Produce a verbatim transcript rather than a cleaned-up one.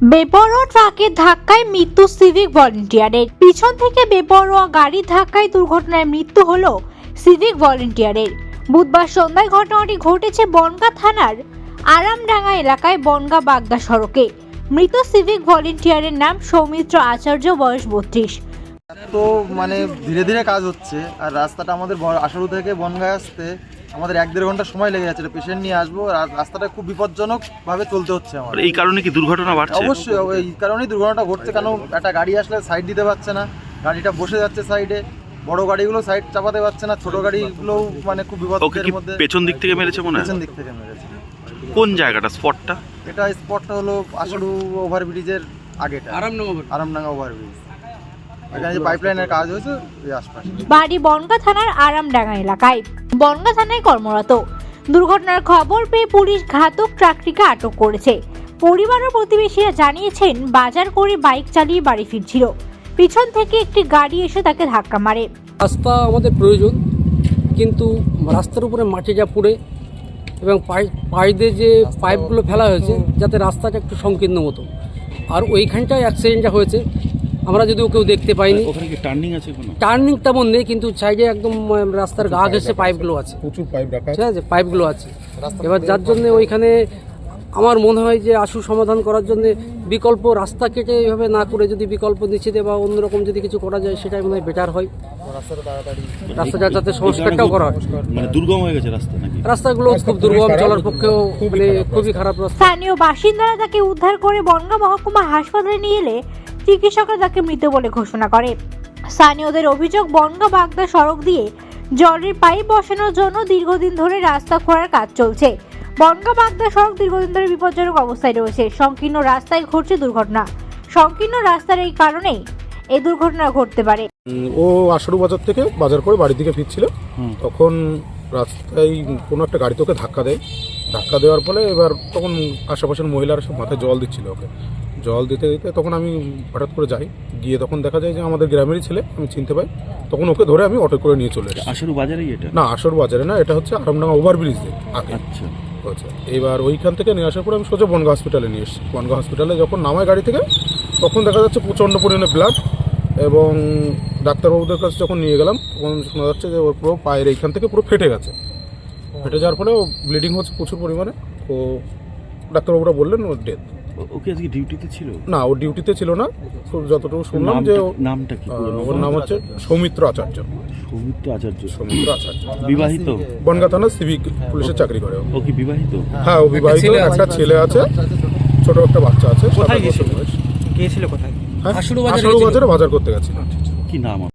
বেপরোয়া ট্রাকের ধাক্কায় মৃত্যু সিভিক ভলেন্টিয়ারের। পিছন থেকে বেপরোয়া গাড়ির ধাক্কায় দুর্ঘটনায় মৃত্যু হলো সিভিক ভলেন্টিয়ারের। বুধবার সন্ধ্যায় ঘটনাটি ঘটেছে বনগাঁ থানার আরামডাঙ্গা এলাকায় বনগাঁ বাগদা সড়কে। মৃত সিভিক ভলেন্টিয়ারের নাম সৌমিত্র আচার্য, বয়স বত্রিশ। তো মানে ধীরে ধীরে কাজ হচ্ছে, আর রাস্তাটা আমাদের আশারু থেকে বনগাঁ আসতে আমাদের এক দেড় ঘন্টা সময় লেগে যাচ্ছে। পেশেন্ট নিয়ে আসবো, আর রাস্তাটা খুব বিপজ্জনক ভাবে চলতে হচ্ছে আমাদের। এই কারণে কি দুর্ঘটনা বাড়ছে? অবশ্যই এই কারণেই দুর্ঘটনাটা ঘটছে, কারণ একটা গাড়ি আসলে সাইড দিতে পারছে না, গাড়িটা বসে যাচ্ছে সাইডে, বড় গাড়িগুলো সাইড চাপাতে পারছে না, ছোট গাড়িগুলোও মানে খুব বিপদের মধ্যে। পেছন দিক থেকে মেরেছে মনে হয়? পেছন দিক থেকে মেরেছে। কোন জায়গাটা, স্পটটা? এটা স্পটটা হলো আশারু ওভারব্রিজের আগেটা, আরামডাঙ্গা ওভারব্রিজ। এখানে যে পাইপলাইনের কাজ হয়েছে এই আশপাশে। বাড়ি বনগাঁ থানার আরামডাঙ্গা এলাকায়, বনগাঁ থানায় কর্মরত। দুর্ঘটনার খবর পেয়ে পুলিশ ঘাতক ট্রাকটিকে আটক করেছে। পরিবার ও প্রতিবেশীরা জানিয়েছেন, বাজার করে বাইক চালিয়ে বাড়ি ফিরছিল, পিছন থেকে একটি গাড়ি এসে তাকে ধাক্কা মারে। রাস্তা আমাদের প্রয়োজন, কিন্তু রাস্তার উপরে মাটি যা পড়ে এবং পাইপে যে পাইপগুলো ফেলা হয়েছে যাতে রাস্তাটা একটু সংকীর্ণ মতো, আর ওইখানটায় অ্যাক্সিডেন্টটা হয়েছে। আমরা যদিও কেউ দেখতে পাইনি। ওখানে কি টার্নিং আছে? কোনো টার্নিং তেমন নেই, কিন্তু সাইডে একদম রাস্তার গা ঘেঁষে পাইপগুলো আছে, প্রচুর পাইপ রাখা ঠিক আছে, পাইপগুলো আছে। এবার যার জন্য ওইখানে আমার মনে হয় যে আশু সমাধান করার জন্য বিকল্প রাস্তা কেটে এইভাবে না করে যদি বিকল্প নিচে দেয় বা অন্যরকম যদি কিছু করা যায়, সেটাই মনে হয় বেটার হয়। রাস্তাটা যাতে সংস্কারটাও করা হয়। মানে দুর্গম হয়ে গেছে রাস্তা নাকি? রাস্তাগুলো খুব দুর্গম, চলার পক্ষেও মানে খুবই খারাপ রাস্তা। স্থানীয় বাসিন্দারা তাকে উদ্ধার করে বনগাঁ মহকুমা হাসপাতালে নিয়ে এলে চিকিৎসকরা তাকে মৃত বলে ঘোষণা করে। স্থানীয়দের অভিযোগ, বনগাঁ বাগদা সড়ক দিয়ে জলের পাইপ বসানোর জন্য দীর্ঘদিন ধরে রাস্তা খোঁড়ার কাজ চলছে। বনগাঁ বাগদা সড়ক দীর্ঘদিন ধরে বিপজ্জনক অবস্থায় রয়েছে। সংকীর্ণ রাস্তায় ঘটছে দুর্ঘটনা। সংকীর্ণ রাস্তার এই কারণেই এই দুর্ঘটনা ঘটতে পারে। ও আশারু বাজার থেকে বাজার করে বাড়ির দিকে ফিরছিল, তখন রাস্তায় কোনো একটা গাড়ি তোকে ধাক্কা দেয়। ধাক্কা দেওয়ার ফলে এবার তখন আশেপাশের মহিলারা সব মাথায় জল দিচ্ছিল ওকে। জল দিতে দিতে তখন আমি হঠাৎ করে যাই, গিয়ে তখন দেখা যায় যে আমাদের গ্রামেরই ছেলে, আমি চিনতে পাই। তখন ওকে ধরে আমি অটো করে নিয়ে চলে এসেছি। আশারু বাজারেই এটা? না, আশারু বাজারে না, এটা হচ্ছে আরামডাঙ্গা ওভারব্রিজ আগে। আচ্ছা আচ্ছা, এবার ওইখান থেকে নিয়ে আসার পরে আমি সোজা বনগাঁ হসপিটালে নিয়ে এসেছি। বনগাঁ হসপিটালে যখন নামায় গাড়ি থেকে, তখন দেখা যাচ্ছে প্রচণ্ড পরিমাণে ব্লাড, এবং ডাক্তারবাবুদের কাছে যখন নিয়ে গেলাম তখন শোনা যাচ্ছে যে ওর পুরো পায়ের এইখান থেকে পুরো ফেটে গেছে। ফেটে যাওয়ার ফলে ও ব্লিডিং হচ্ছে প্রচুর পরিমাণে। তো ডাক্তারবাবুরা বললেন ওর ডেথ। ওকে আজকে ডিউটিতে ছিল না, ও ডিউটিতে ছিল না, যতটুকু শুনলাম যে নামটা কি? ওর নাম হচ্ছে সৌমিত্র আচার্য। সৌমিত্র আচার্য। সৌমিত্র আচার্য বিবাহিত? বনগাঁ থানার সিভিক পুলিশের চাকরি করে। ও কি বিবাহিত? হ্যাঁ, ও বিবাহিত, একটা ছেলে আছে, ছোট একটা বাচ্চা আছে। কোথায় গিয়েছিল? গিয়েছিল কোথায়? আশারু বাজারে বাজার করতে গেছিল। কি নাম?